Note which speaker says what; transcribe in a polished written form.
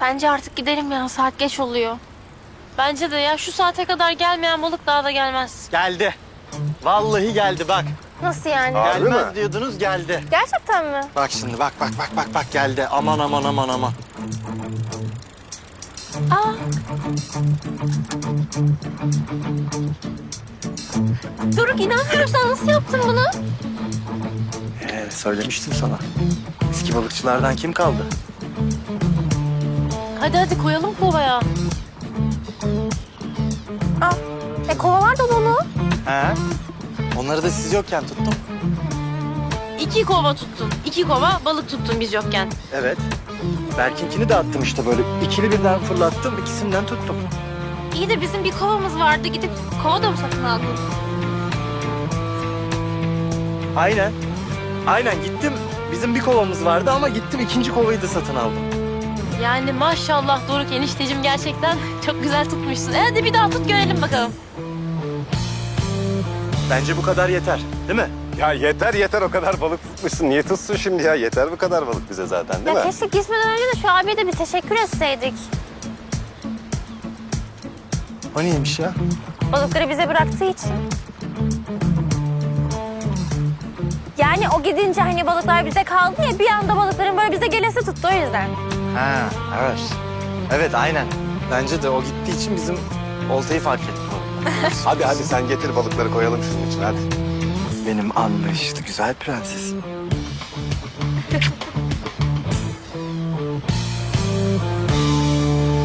Speaker 1: Bence artık gidelim ya. Saat geç oluyor. Bence de ya şu saate kadar gelmeyen balık daha da gelmez.
Speaker 2: Geldi. Vallahi geldi bak.
Speaker 1: Nasıl yani?
Speaker 3: Harbi
Speaker 2: Gelmez
Speaker 3: mi?
Speaker 2: diyordunuz geldi.
Speaker 1: Gerçekten mi?
Speaker 2: Bak şimdi bak geldi. Aman aman aman aman.
Speaker 1: Aa. Doruk inanmıyorum, sen nasıl yaptın bunu?
Speaker 2: Söylemiştim sana. Eski balıkçılardan kim kaldı?
Speaker 1: Hadi koyalım kovaya. Aa, kova var da dolu.
Speaker 2: He. Onları da siz yokken tuttum.
Speaker 1: 2 kova tuttun. 2 kova balık tuttun biz yokken.
Speaker 2: Evet. Berkinkini de attım işte böyle. İkili birden fırlattım, ikisinden tuttum.
Speaker 1: İyi de bizim bir kovamız vardı. Gidip kova da mı satın aldın?
Speaker 2: Aynen. Aynen gittim. Bizim bir kovamız vardı ama gittim ikinci kovayı da satın aldım.
Speaker 1: Yani maşallah Doruk enişteciğim, gerçekten çok güzel tutmuşsun. Hadi bir daha tut görelim bakalım.
Speaker 2: Bence bu kadar yeter, değil mi?
Speaker 3: Ya yeter o kadar balık tutmuşsun. Niye tutsun şimdi ya? Yeter bu kadar balık bize zaten değil
Speaker 1: Ya
Speaker 3: mi?
Speaker 1: keşke gitmeden önce de şu abiye de bir teşekkür etseydik.
Speaker 2: O neymiş ya?
Speaker 1: Balıkları bize bıraktığı için. Yani o gidince hani balıklar bize kaldı ya, bir anda balıkların böyle bize gelesi tuttu, o yüzden.
Speaker 2: Ha, evet. Evet, aynen. Bence de o gittiği için bizim oltayı fark etti.
Speaker 3: Hadi sen getir balıkları koyalım şunun için hadi.
Speaker 2: Benim anlayışlı güzel prensesim.